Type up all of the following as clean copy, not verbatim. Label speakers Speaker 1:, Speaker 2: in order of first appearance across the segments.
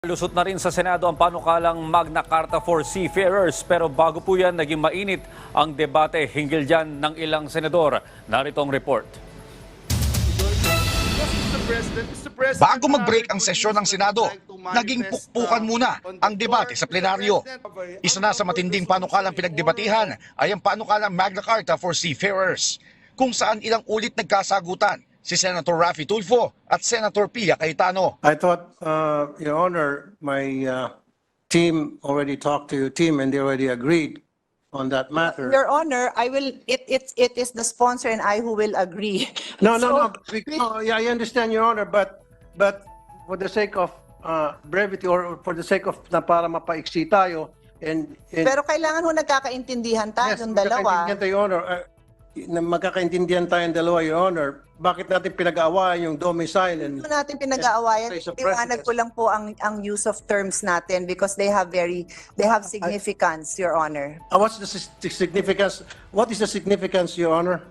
Speaker 1: Lusot na rin sa Senado ang panukalang Magna Carta for Seafarers pero bago po yan naging mainit ang debate hinggil dyan ng ilang senador. Narito ang report.
Speaker 2: Bago mag-break ang sesyon ng Senado, naging pukpukan muna ang debate sa plenaryo. Isa na sa matinding panukalang pinagdebatihan ay ang panukalang Magna Carta for Seafarers, kung saan ilang ulit nagkasagutan si Senator Raffy Tulfo at Senator Pia Cayetano.
Speaker 3: I thought, Your Honor, my team already talked to your team and they already agreed on that matter.
Speaker 4: Your Honor, I will. It is the sponsor and I who will agree.
Speaker 3: No. Yeah, I understand, Your Honor, but for the sake of brevity or for the sake of na para mapaiksi tayo and
Speaker 4: Pero kailangan ho nagkakaintindihan tayo yung dalawa.
Speaker 3: magkakaintindihan tayo, Your Honor. Na magkakaintindihan tayong dalawa, Your Honor. Bakit natin pinag-aawayan yung domicile and
Speaker 4: Hindi natin pinag-aawayan.
Speaker 3: place of
Speaker 4: Liwanag
Speaker 3: residence?
Speaker 4: ko lang po ang use of terms natin because they have significance, Your Honor.
Speaker 3: What's the significance? What is the significance, Your Honor?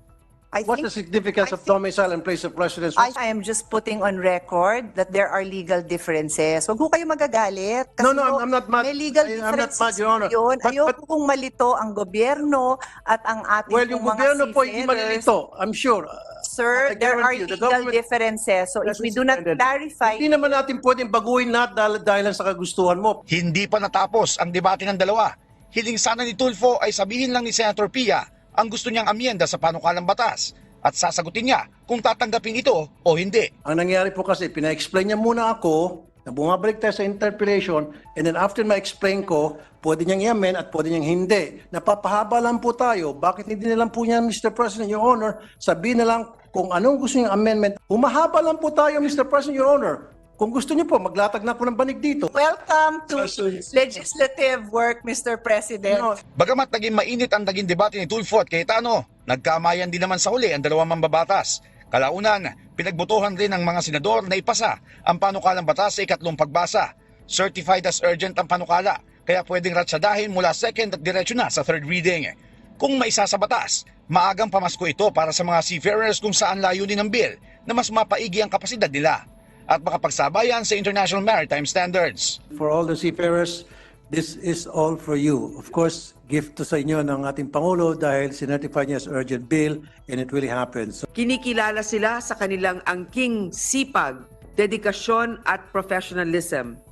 Speaker 3: What's the significance of domicile and place of residence?
Speaker 4: I am just putting on record that there are legal differences. Huwag ho kayo magagalit. Kasi
Speaker 3: No,
Speaker 4: ho,
Speaker 3: I'm not mad.
Speaker 4: May legal
Speaker 3: I'm not
Speaker 4: differences
Speaker 3: mad, Your Honor.
Speaker 4: yun.
Speaker 3: But-
Speaker 4: Ayoko kung malito ang gobyerno at ang ating
Speaker 3: Well, yung
Speaker 4: pong mga
Speaker 3: gobyerno po hindi
Speaker 4: seafarers.
Speaker 3: malilito, I'm sure.
Speaker 4: Sir,
Speaker 3: I
Speaker 4: there are
Speaker 3: guarantee you, the
Speaker 4: legal
Speaker 3: government
Speaker 4: differences. So if we do not
Speaker 3: suspended.
Speaker 4: clarify,
Speaker 3: Hindi naman natin pwedeng baguhin lahat dahil sa kagustuhan mo.
Speaker 2: Hindi pa natapos ang debate ng dalawa. Hiling sana ni Tulfo ay sabihin lang ni Senator Pia ang gusto niyang amyenda sa panukalang batas at sasagutin niya kung tatanggapin ito o hindi.
Speaker 3: Ang nangyari po kasi, pina-explain niya muna ako, na bumabalik tayo sa interpellation, and then after ma-explain ko, pwede niyang i-amend at pwede niyang hindi. Napapahaba lang po tayo. Bakit hindi na lang po niya, Mr. President, Your Honor, sabihin na lang kung anong gusto niyang amendment. Humahaba lang po tayo, Mr. President, Your Honor. Kung gusto niyo po, maglatag na po ng banig dito.
Speaker 4: welcome to legislative work, Mr. President.
Speaker 3: No,
Speaker 2: Bagamat naging mainit ang naging debate ni Tulfo at Cayetano, nagkamayan din naman sa huli ang dalawang mambabatas. Kalaunan, pinagbotohan rin ng mga senador na ipasa ang panukalang batas sa ikatlong pagbasa. Certified as urgent ang panukala, kaya pwedeng ratsadahin mula second at diretso na sa third reading. Kung maisa sa batas, maagang pamasko ito para sa mga seafarers kung saan layunin ng bill na mas mapaigi ang kapasidad nila at makapagsabayan sa international maritime standards.
Speaker 3: for all the seafarers, this is all for you. Of course, gift to sa inyo ng ating Pangulo dahil sinertify niya as urgent bill and it really happens.
Speaker 5: Kinikilala sila sa kanilang angking sipag, dedikasyon at professionalism.